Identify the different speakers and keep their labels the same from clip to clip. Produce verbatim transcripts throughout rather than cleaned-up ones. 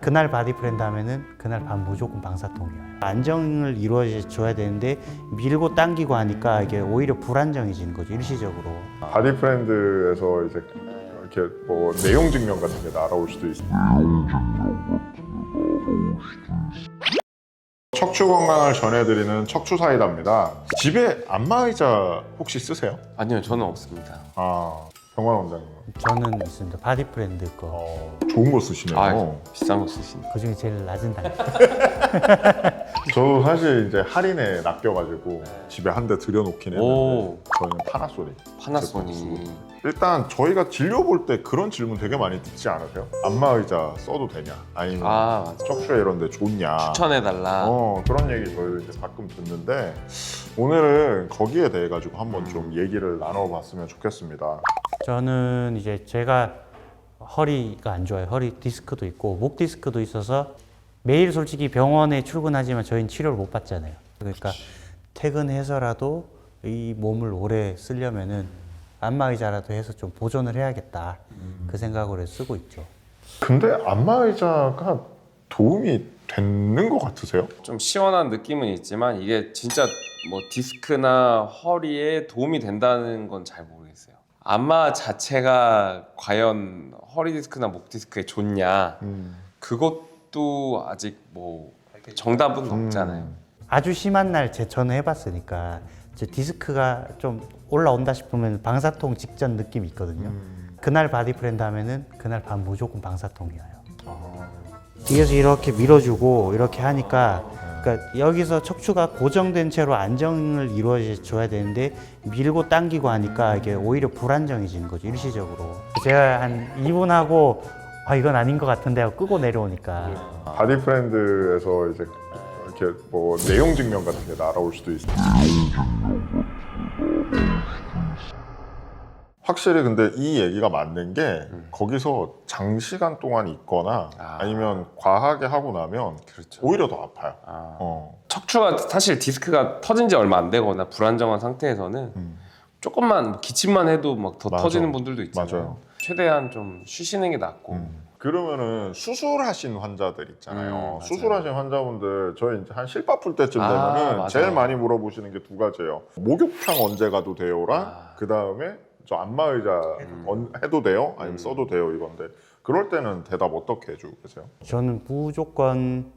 Speaker 1: 그날 바디프렌드 하면은 그날 밤 무조건 방사통이에요. 안정을 이루어줘야 되는데 밀고 당기고 하니까 이게 오히려 불안정해지는 거죠, 일시적으로.
Speaker 2: 바디프렌드에서 이제 이렇게 뭐 내용 증명 같은 게 날아올 수도 있어요. 척추 건강을 전해드리는 척추 사이다입니다. 집에 안마의자 혹시 쓰세요?
Speaker 3: 아니요, 저는 없습니다.
Speaker 2: 아, 병원 원장님.
Speaker 1: 저는 있습니다. 바디프렌드 거.
Speaker 2: 어, 좋은 거 쓰시네요.
Speaker 3: 아, 비싼 거 쓰시네.
Speaker 1: 그 중에 제일 낮은 단가.
Speaker 2: 저도 사실 이제 할인에 낚여가지고 집에 한 대 들여놓긴 했는데
Speaker 3: 오.
Speaker 2: 저는 파나소닉.
Speaker 3: 파나소닉.
Speaker 2: 일단 저희가 진료 볼 때 그런 질문 되게 많이 듣지 않으세요? 안마의자 써도 되냐? 아니면
Speaker 3: 아, 맞아.
Speaker 2: 척추에 이런 데 좋냐?
Speaker 3: 추천해달라.
Speaker 2: 어, 그런 얘기 저희도 이제 가끔 듣는데 오늘은 거기에 대해 가지고 한번 좀 얘기를 나눠봤으면 좋겠습니다.
Speaker 1: 저는 이제 제가 허리가 안 좋아요. 허리 디스크도 있고 목 디스크도 있어서 매일 솔직히 병원에 출근하지만 저희는 치료를 못 받잖아요. 그러니까 퇴근해서라도 이 몸을 오래 쓰려면은 안마의자라도 해서 좀 보존을 해야겠다. 그 생각으로 쓰고 있죠.
Speaker 2: 근데 안마의자가 도움이 되는 것 같으세요?
Speaker 3: 좀 시원한 느낌은 있지만 이게 진짜 뭐 디스크나 허리에 도움이 된다는 건 잘 모르겠어요. 안마 자체가 과연 허리 디스크나 목 디스크에 좋냐?
Speaker 2: 음.
Speaker 3: 그것도 아직 뭐 정답은 없잖아요.
Speaker 2: 음.
Speaker 1: 아주 심한 날 제 저는 해봤으니까 제 디스크가 좀 올라온다 싶으면 방사통 직전 느낌이 있거든요.
Speaker 2: 음.
Speaker 1: 그날 바디프렌드 하면은 그날 밤 무조건 방사통이 와요.
Speaker 2: 아.
Speaker 1: 뒤에서 이렇게 밀어주고 이렇게 하니까 그러니까 여기서 척추가 고정된 채로 안정을 이루어줘야 되는데 밀고 당기고 하니까 이게 오히려 불안정해지는 거죠, 일시적으로. 제가 한 이 분 하고 아 이건 아닌 것 같은데 하고 끄고 내려오니까
Speaker 2: 바디프렌드에서 이제 이렇게 뭐 내용 증명 같은 게 날아올 수도 있어요. 확실히 근데 이 얘기가 맞는 게
Speaker 3: 음.
Speaker 2: 거기서 장시간 동안 있거나
Speaker 3: 아.
Speaker 2: 아니면 과하게 하고 나면
Speaker 3: 그렇죠.
Speaker 2: 오히려 더 아파요.
Speaker 3: 아.
Speaker 2: 어.
Speaker 3: 척추가 사실 디스크가 터진 지 얼마 안 되거나 불안정한 상태에서는
Speaker 2: 음.
Speaker 3: 조금만 기침만 해도 막 더
Speaker 2: 맞아.
Speaker 3: 터지는 분들도 있잖아요.
Speaker 2: 맞아요.
Speaker 3: 최대한 좀 쉬시는 게 낫고.
Speaker 2: 음. 그러면은 수술하신 환자들 있잖아요.
Speaker 3: 음, 맞아요.
Speaker 2: 수술하신 환자분들 저희 이제 한 실밥 풀 때쯤
Speaker 3: 아,
Speaker 2: 되면은
Speaker 3: 맞아요.
Speaker 2: 제일 많이 물어보시는 게 두 가지예요. 목욕탕 언제 가도 돼요랑
Speaker 3: 아.
Speaker 2: 그 다음에 저 안마의자 언- 해도 돼요? 아니면
Speaker 3: 음.
Speaker 2: 써도 돼요? 이건데 그럴 때는 대답 어떻게 해주고 계세요?
Speaker 1: 저는 무조건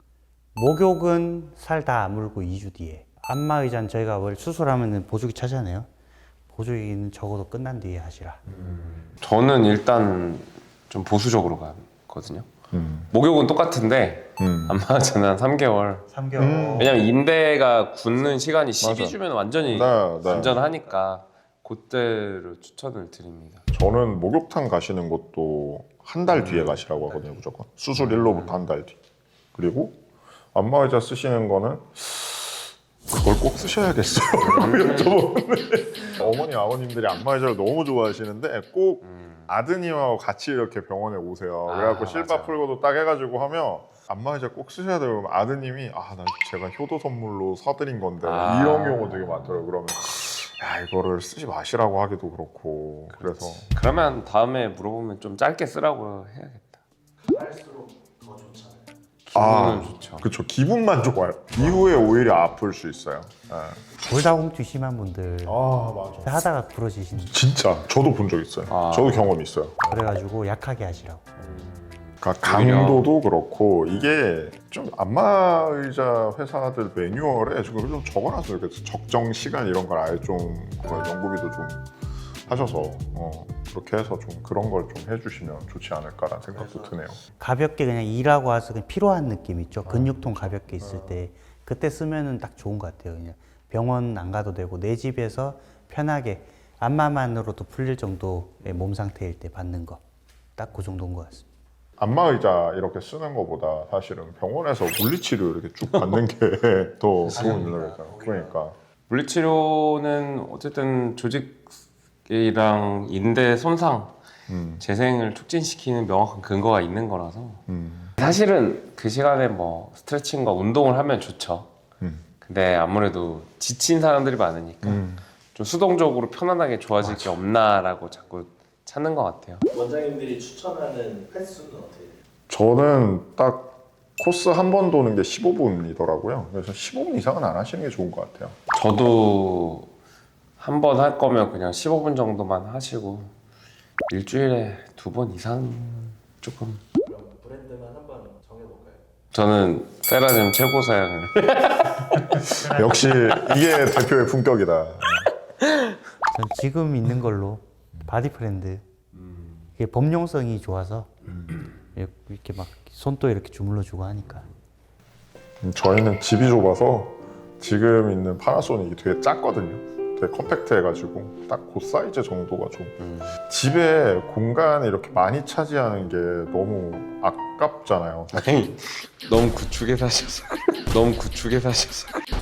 Speaker 1: 목욕은 살 다 아물고 이 주 뒤에 안마의자는 저희가 원래 수술하면 보조기 차잖아요. 보조기는 적어도 끝난 뒤에 하시라.
Speaker 3: 저는 일단 좀 보수적으로 가거든요.
Speaker 2: 음.
Speaker 3: 목욕은 똑같은데
Speaker 2: 음.
Speaker 3: 안마의자는 한 삼 개월.
Speaker 1: 삼 개월.
Speaker 2: 음.
Speaker 3: 왜냐면 인대가 굳는 시간이
Speaker 2: 맞아.
Speaker 3: 십이 주면 완전히
Speaker 2: 네, 네.
Speaker 3: 안전하니까 그때로 추천을 드립니다.
Speaker 2: 저는 목욕탕 가시는 것도 한 달 뒤에 가시라고 하거든요, 무조건. 수술 일로부터 한 달 뒤. 그리고 안마의자 쓰시는 거는 그걸 꼭 쓰셔야겠어요. 여쭤보는데 어머니 아버님들이 안마의자를 너무 좋아하시는데 꼭 아드님하고 같이 이렇게 병원에 오세요.
Speaker 3: 아,
Speaker 2: 그래갖고 실밥
Speaker 3: 맞아.
Speaker 2: 풀고도 딱 해가지고 하면 안마의자 꼭 쓰셔야 돼요. 그러면 아드님이 아, 나 제가 효도 선물로 사드린 건데
Speaker 3: 아.
Speaker 2: 이런 경우 되게 많더라고요. 그러면 야, 이거를 쓰지 마시라고 하기도 그렇고 그래서
Speaker 3: 그러면 다음에 물어보면 좀 짧게 쓰라고 해야겠다.
Speaker 4: 할수록 더 좋잖아요.
Speaker 2: 아.
Speaker 3: 기분은 좋죠.
Speaker 2: 그쵸, 기분만 좋아요. 이후에 오히려 아플 수 있어요. 네.
Speaker 1: 골다공증 심한 분들
Speaker 2: 아, 맞아.
Speaker 1: 하다가 부러지시는
Speaker 2: 진짜 저도 본 적 있어요.
Speaker 3: 아.
Speaker 2: 저도 경험이 있어요.
Speaker 1: 그래가지고 약하게 하시라고.
Speaker 2: 그러니까
Speaker 3: 오히려.
Speaker 2: 강도도 그렇고 이게 좀 안마의자 회사들 매뉴얼에 지금 좀 적어놨어요. 그래서 적정 시간 이런 걸 아예 좀 그걸 연구비도 좀 하셔서 어, 그렇게 해서 좀 그런 걸 좀 해주시면 좋지 않을까라는 생각도 드네요.
Speaker 1: 가볍게 그냥 일하고 와서 그냥 피로한 느낌 있죠. 근육통 가볍게 있을 때 그때 쓰면은 딱 좋은 것 같아요. 그냥 병원 안 가도 되고 내 집에서 편하게 안마만으로도 풀릴 정도의 몸 상태일 때 받는 거 딱 그 정도인 것 같습니다.
Speaker 2: 안마의자 이렇게 쓰는 것보다 사실은 병원에서 물리치료 이렇게 쭉 받는 게 더 도움이 되잖아요. 그러니까
Speaker 3: 물리치료는 어쨌든 조직이랑 인대 손상,
Speaker 2: 음,
Speaker 3: 재생을 촉진시키는 명확한 근거가 있는 거라서
Speaker 2: 음,
Speaker 3: 사실은 그 시간에 뭐 스트레칭과 운동을 하면 좋죠.
Speaker 2: 음,
Speaker 3: 근데 아무래도 지친 사람들이 많으니까
Speaker 2: 음.
Speaker 3: 좀 수동적으로 편안하게 좋아질 게 없나라고 자꾸 찾는 것 같아요.
Speaker 4: 원장님들이 추천하는 횟수는 어떻게 돼요?
Speaker 2: 저는 딱 코스 한 번 도는 게 십오 분이더라고요. 그래서 십오 분 이상은 안 하시는 게 좋은 것 같아요.
Speaker 3: 저도 한 번 할 거면 그냥 십오 분 정도만 하시고 일주일에 두 번 이상 조금.
Speaker 4: 그럼 브랜드만 한번 정해볼까요?
Speaker 3: 저는 세라즘 최고 사양을.
Speaker 2: 역시 이게 대표의 품격이다.
Speaker 1: 전 지금 있는 걸로 바디 프렌드. 이게 범용성이 좋아서 이렇게 막 손도 이렇게 주물러주고 하니까.
Speaker 2: 음, 저희는 집이 좁아서 지금 있는 파나소닉이 되게 작거든요. 되게 컴팩트해가지고 딱 그 사이즈 정도가 좀
Speaker 3: 음.
Speaker 2: 집에 공간을 이렇게 많이 차지하는 게 너무 아깝잖아요.
Speaker 3: 아니 너무 구축에 사셔서 그래요. 너무 구축에 사셔서 그래요.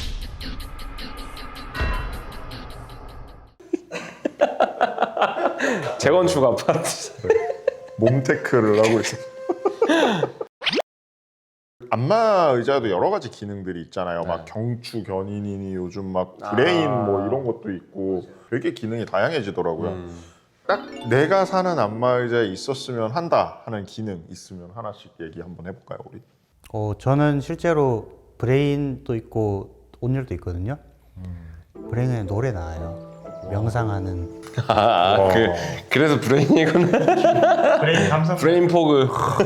Speaker 3: 재건축 아파트.
Speaker 2: 몸테크를 하고 있어요. 안마 의자도 여러 가지 기능들이 있잖아요. 막
Speaker 3: 네.
Speaker 2: 경추 견인이니 요즘 막 브레인
Speaker 3: 아.
Speaker 2: 뭐 이런 것도 있고 되게 기능이 다양해지더라고요.
Speaker 3: 음.
Speaker 2: 딱 내가 사는 안마 의자에 있었으면 한다 하는 기능 있으면 하나씩 얘기 한번 해볼까요, 우리?
Speaker 1: 어, 저는 실제로 브레인도 있고 온열도 있거든요. 브레인에 노래 나와요. 명상하는.
Speaker 3: 아,
Speaker 2: 와.
Speaker 3: 그, 그래서 브레인이구나.
Speaker 1: 브레인 감성.
Speaker 3: 브레인 포그.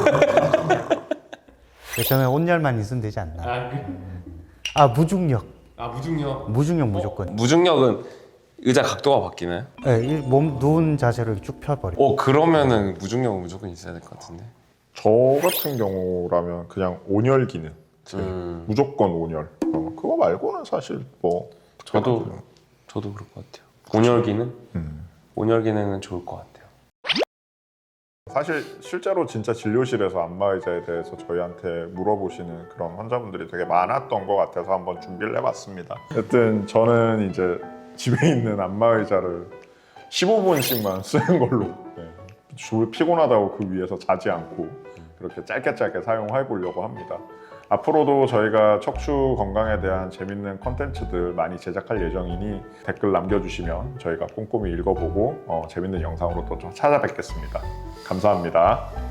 Speaker 1: 저는 온열만 있으면 되지 않나.
Speaker 3: 아, 그,
Speaker 1: 아 무중력.
Speaker 3: 아 무중력.
Speaker 1: 무중력 무조건.
Speaker 3: 무중력은 의자 각도가 바뀌나요?
Speaker 1: 네, 이 몸 누운 자세로 이렇게 쭉 펴버려.
Speaker 3: 어 그러면은 무중력은 무조건 있어야 될 것 같은데.
Speaker 2: 저 같은 경우라면 그냥 온열 기능.
Speaker 3: 음.
Speaker 2: 무조건 온열. 어, 그거 말고는 사실 뭐
Speaker 3: 저도 저도 그럴 것 같아요. 온열 기능?
Speaker 2: 음.
Speaker 3: 온열 기능은 좋을 것 같아요.
Speaker 2: 사실 실제로 진짜 진료실에서 안마 의자에 대해서 저희한테 물어보시는 그런 환자분들이 되게 많았던 것 같아서 한번 준비를 해봤습니다. 어쨌든 저는 이제 집에 있는 안마 의자를 십오 분씩만 쓰는 걸로 네. 주 피곤하다고 그 위에서 자지 않고 그렇게 짧게 짧게 사용해 보려고 합니다. 앞으로도 저희가 척추 건강에 대한 재밌는 컨텐츠들 많이 제작할 예정이니 댓글 남겨주시면 저희가 꼼꼼히 읽어보고 어, 재밌는 영상으로 또 좀 찾아뵙겠습니다. 감사합니다.